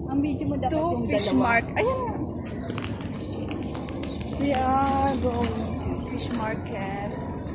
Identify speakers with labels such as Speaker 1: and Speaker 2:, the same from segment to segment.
Speaker 1: Ang video mo dapat
Speaker 2: To
Speaker 1: yung
Speaker 2: fish
Speaker 1: dalawa.
Speaker 2: market. Ayan na. We are going to fish market.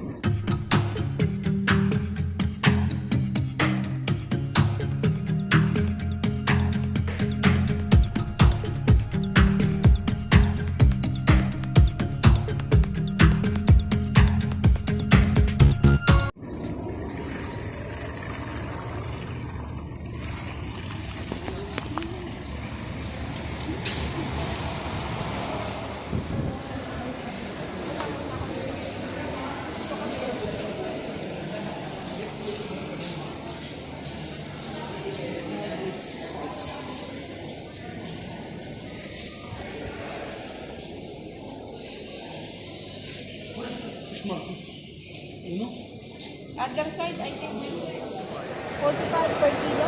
Speaker 1: Other side, I think 45 per kilo.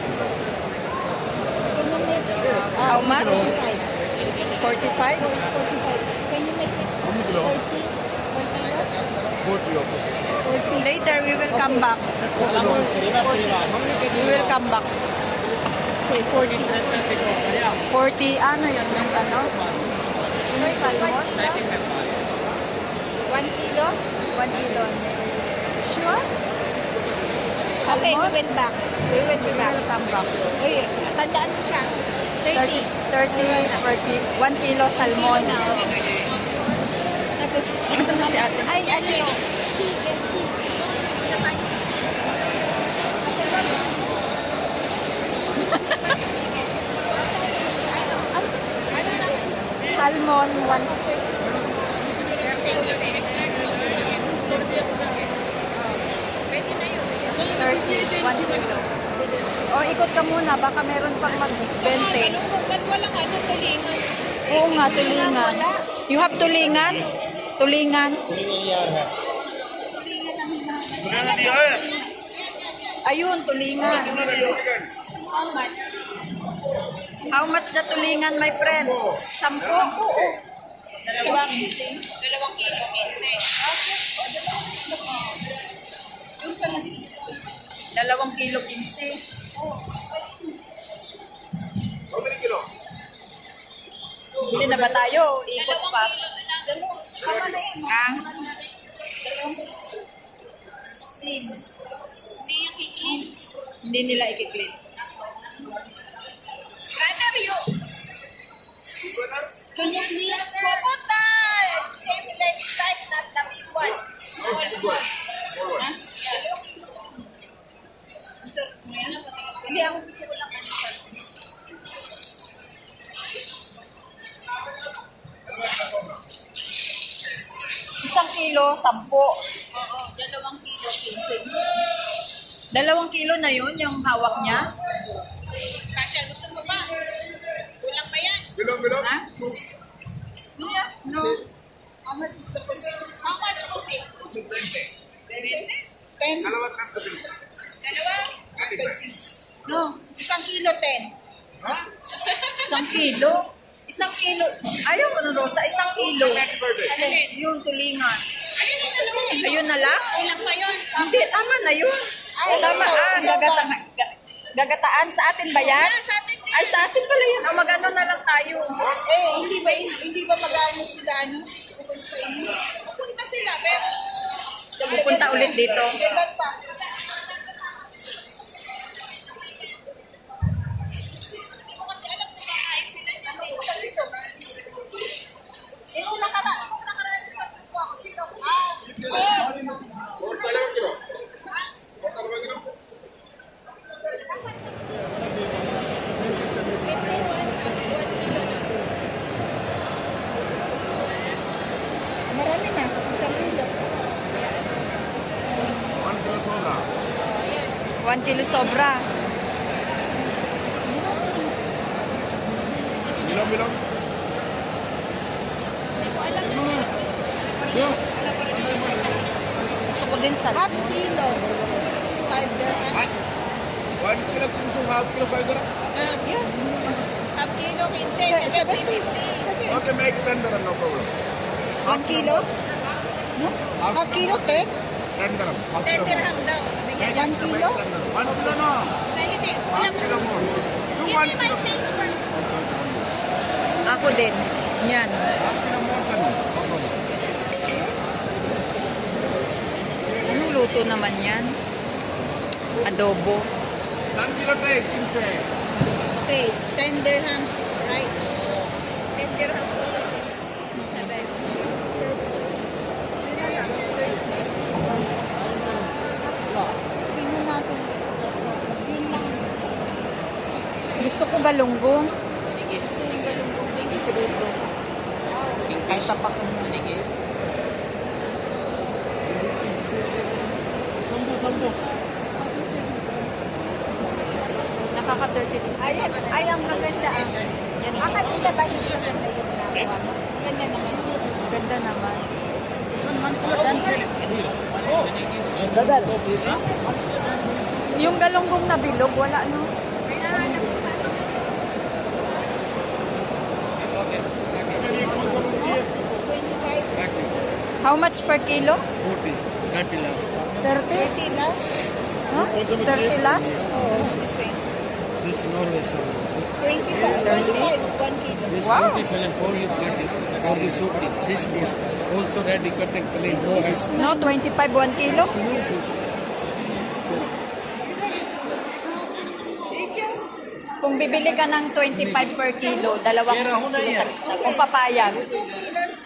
Speaker 1: Can you make it?
Speaker 2: How much?
Speaker 1: 45.
Speaker 2: 45?
Speaker 1: 45. Can you make it 30 per kilo? 40.
Speaker 2: Later, we will come back. We will come back.
Speaker 1: Okay, 40.
Speaker 2: 40, ano yun? Yung ano? Yung salmon?
Speaker 1: 1 kilo?
Speaker 2: 1 kilo.
Speaker 1: Sure? Okay, we went back. We went
Speaker 2: We
Speaker 1: back.
Speaker 2: will come back.
Speaker 1: Uy, tandaan mo siya.
Speaker 2: 30,
Speaker 1: 30.
Speaker 2: 1 kilo salmon.
Speaker 1: Tapos,
Speaker 2: Gusto na si ate.
Speaker 1: ay, ano yun? C. Punta tayo sa C. Ano naman?
Speaker 2: Salmon,
Speaker 1: Pwede na yun.
Speaker 2: 130, 1 kilo. O, ikot ka muna. Baka meron pang mag-20.
Speaker 1: Ganun kung walang ano, tulingan.
Speaker 2: Oo nga, tulingan. You have tulingan? Tulingan?
Speaker 1: Tulingan ang hinahanap.
Speaker 2: Ayun, tulingan.
Speaker 1: How much?
Speaker 2: How much na tulingan, my friend? 10.
Speaker 1: Dalawang kilo, 15. Yung ka na si
Speaker 2: 2 kilo 15.
Speaker 3: How many kilo?
Speaker 2: Hindi na ba tayo? Ikot pa.
Speaker 1: Tama na yun.
Speaker 2: Ang
Speaker 1: Clean. Hindi yung clean.
Speaker 2: hindi nila ikiklik.
Speaker 1: Can you clean? Pupunta! Same leg type, not the big one.
Speaker 3: Big one. Small one.
Speaker 1: Sir, hindi ako gusto ko lang ano.
Speaker 2: 1 kilo, 10.
Speaker 1: Oo, 2 kilo, 15.
Speaker 2: 2 kilo na yun, yung hawak niya.
Speaker 1: Kasha, gusto mo ba? Kulang ba yan?
Speaker 3: Bilong.
Speaker 2: Ha? Yeah, no.
Speaker 1: How much is the pusit? How much pusit?
Speaker 3: 20.
Speaker 1: 10?
Speaker 3: Dalawa trap na bilong.
Speaker 1: Dalawa? No, 1 kilo 10.
Speaker 3: Ha?
Speaker 2: 1 kilo. 1 kilo. Ayaw mo nun, Rosa. 1 kilo.
Speaker 3: Happy birthday.
Speaker 1: Alin?
Speaker 2: Yung tulingan.
Speaker 1: Ayun ang 2 kilo.
Speaker 2: Ayun na lang?
Speaker 1: Kulang pa yun.
Speaker 2: Hindi, tama na yun.
Speaker 1: Ay,
Speaker 2: Tama.
Speaker 1: ito.
Speaker 2: Gagataan. Sa atin ba yan?
Speaker 1: Yan, sa atin din.
Speaker 2: Ay, sa atin pala yan. O, mag-ano na lang tayo.
Speaker 1: Hindi ba mag-ano sila, ano? Pupunta sa inyo? Pupunta sila, pero...
Speaker 2: Pupunta ulit dito.
Speaker 1: Dagdag pa. Hindi ko kasi alam kung kakain sila. Nung nakaraan ko ako, sino?
Speaker 3: Or dalawang kilo. Or dalawang kilo.
Speaker 1: 1 kilo na. Marami na, 1 kilo.
Speaker 3: 1 kilo sobra.
Speaker 2: 1 kilo sobra.
Speaker 3: Bilong.
Speaker 1: Hindi ko alam.
Speaker 2: Gusto ko din sa...
Speaker 1: Half kilo. 5 dirhams.
Speaker 3: 1 kilo kung half kilo 5 dirham.
Speaker 1: Yeah. Half kilo, 15. 7.
Speaker 3: Okay, make 10 dirham, no problem.
Speaker 1: 1 kilo? No? Half kilo, 10?
Speaker 3: 10 dirham. Half
Speaker 1: 10
Speaker 3: kilo.
Speaker 1: dirham daw.
Speaker 3: Make
Speaker 1: 1 kilo?
Speaker 3: 1 kilo no.
Speaker 1: Hindi,
Speaker 3: Half kilo more. Do 1 kilo.
Speaker 1: change first.
Speaker 2: ko din. Yan.
Speaker 3: Half kilo more than no problem.
Speaker 2: Anong luto naman yan? Adobo.
Speaker 3: 1 kilo tray, 15.
Speaker 1: Okay, 10 dirhams, right? 10 dirhams to kasi. 7. Services. Yun lang, 30. Tingnan natin. Yun lang.
Speaker 2: Gusto ko galunggong.
Speaker 1: Gusto yung galunggong.
Speaker 2: Dito. Ay, tapak ko. Nakaka-30.
Speaker 1: Ayan, ay, ang maganda ah.
Speaker 2: Yan.
Speaker 1: Kanina ba hindi maganda yung nakuha mo? Ganda naman.
Speaker 2: Ganda naman. Yung galunggong na bilog, wala no? How much per kilo?
Speaker 3: 30 last.
Speaker 2: 30?
Speaker 1: 30 last?
Speaker 2: Huh? 30 last?
Speaker 1: Oh, the same.
Speaker 3: This Norway salmon.
Speaker 1: 25, 1 kilo.
Speaker 3: This
Speaker 2: Wow.
Speaker 3: 40 selling for you 30. For you 40. Fish good. Also ready cutting plain. No
Speaker 1: This is
Speaker 2: No, 25 1 kilo? Kung bibili ka ng 25 per kilo, dalawang kilo talis na. Kung papayag.
Speaker 1: 2 kilos,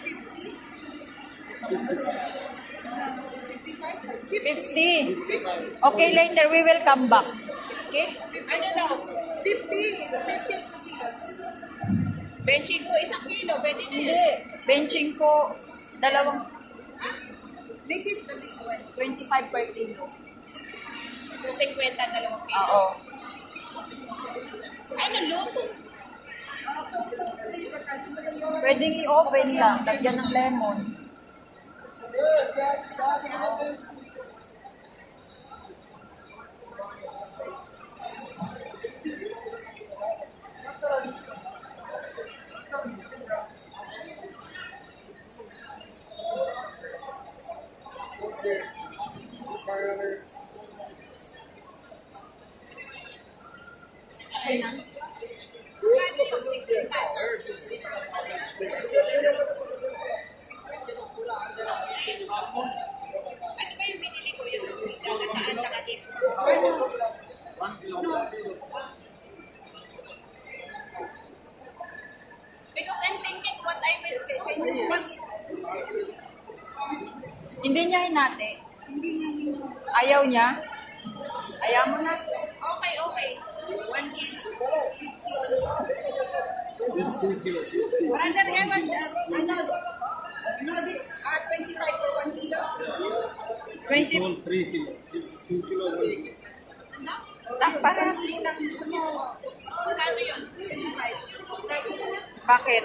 Speaker 1: 50.
Speaker 2: 50. Okay, later we will come back.
Speaker 1: Okay? Ano daw? 50. 2 kilos. Benching ko, 1 kilo. Pwede na
Speaker 2: Hindi.
Speaker 1: yun.
Speaker 2: Benching ko, dalawang
Speaker 1: Make it the big one.
Speaker 2: 25 per kilo.
Speaker 1: So, 50, 2 kilo.
Speaker 2: Oo.
Speaker 1: Ano, luto?
Speaker 2: Pwedeng i-open lang, lagyan ng lemon.
Speaker 1: Ano ba yung binili ko? Yung gagataan tsaka dip? Ano? No. Because I'm thinking what I will... What is...
Speaker 2: Hindi niya hinati.
Speaker 1: Hindi nga yun.
Speaker 2: Ayaw niya. Ayaw mo na.
Speaker 1: Okay, okay. 1 kilo. 50 also.
Speaker 3: This 2 kilo.
Speaker 1: Brother, Ewan, no, 25 for 1 kilo.
Speaker 2: 20.
Speaker 3: 3 kilo. This 2 kilo.
Speaker 1: Ano?
Speaker 2: Parang,
Speaker 1: 1 kilo lang gusto mo. Kano yun? 25.
Speaker 2: bakit?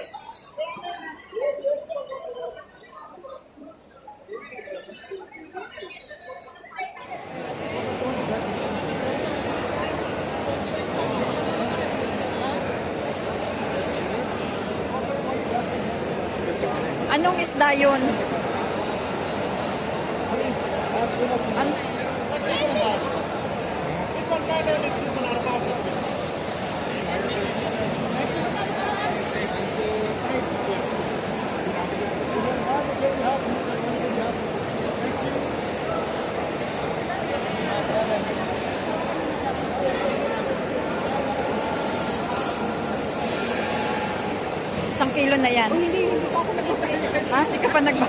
Speaker 2: Anong isda yun? Isang kilo na yan.
Speaker 1: Hindi pa ako nagpapalit.
Speaker 2: Ha? Hindi ka pa nagba...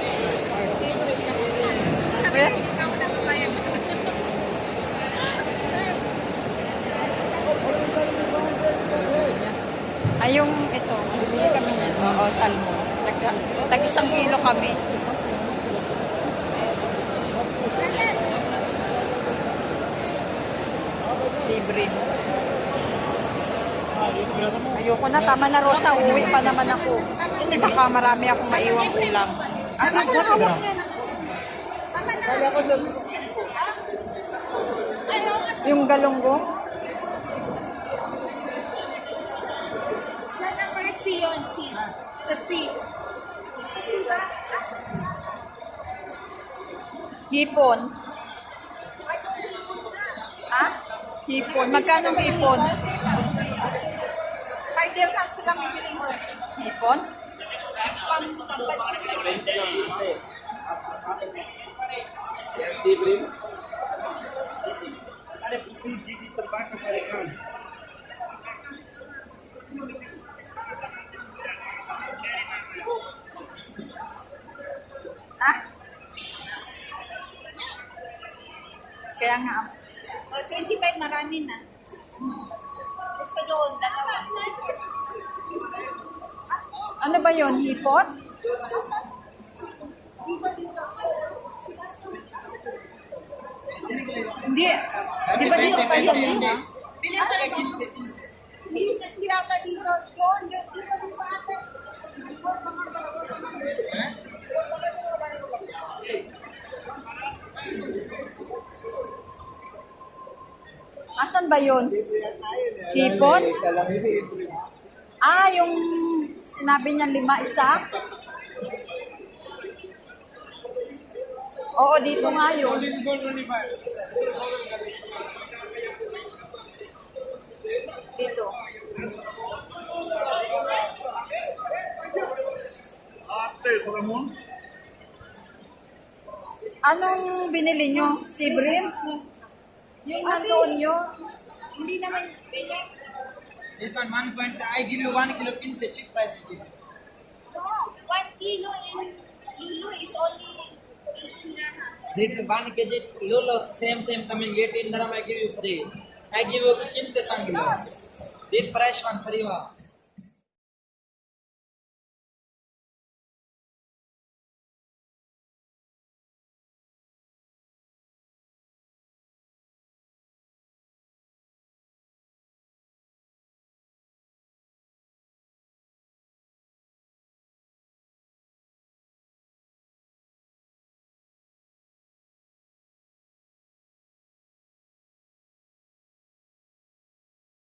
Speaker 1: Sabi
Speaker 2: Eh?
Speaker 1: ko, ikaw na babayan mo.
Speaker 2: Ay, yung ito, bibili kami niyan. Oo, salmon. Tag isang kilo kami. Sibrin. Ayoko na, tama na Rosa. Uwi pa naman ako. Baka marami akong maiwang ulam. Ah,
Speaker 1: Tama na.
Speaker 2: yung galunggong.
Speaker 1: Sa number C yun, C. Sa C. Sa C ba? Ah, sa C.
Speaker 2: Hipon.
Speaker 1: Ay, hipon na.
Speaker 2: Ha? Hipon. Magkano ang hipon?
Speaker 1: 5 dirhams lang bibili mo.
Speaker 2: Hipon?
Speaker 3: अरे किसी जीजी तबा का करेगा
Speaker 2: Ha? Kaya nga,
Speaker 1: O, 25 marami na. Gusto doon, dalawa.
Speaker 2: ano ba yon hipon?
Speaker 1: Dito, dito.
Speaker 2: Hindi. Di ba dito tayo?
Speaker 1: Bili ka rin mo. Hindi ata dito. Doon, dito, dito ata.
Speaker 2: Asan ba yun? Hipon?
Speaker 3: isa lang yung siyempre
Speaker 2: Ah, yung sinabi niya 5 isa? Oo, dito nga yun. Dito. Anong binili nyo? Sibrim? Yung nandoon nyo?
Speaker 1: Hindi naman.
Speaker 4: This one 1 point. I give you 1 kilo pin se cheap price I give you.
Speaker 1: No, 1 kilo in Lulu is only 18 dirhams.
Speaker 4: This 1 kg Lolo same coming 18 dirham I give you free. I give you skin se 1 kilo. This fresh one Sariwa.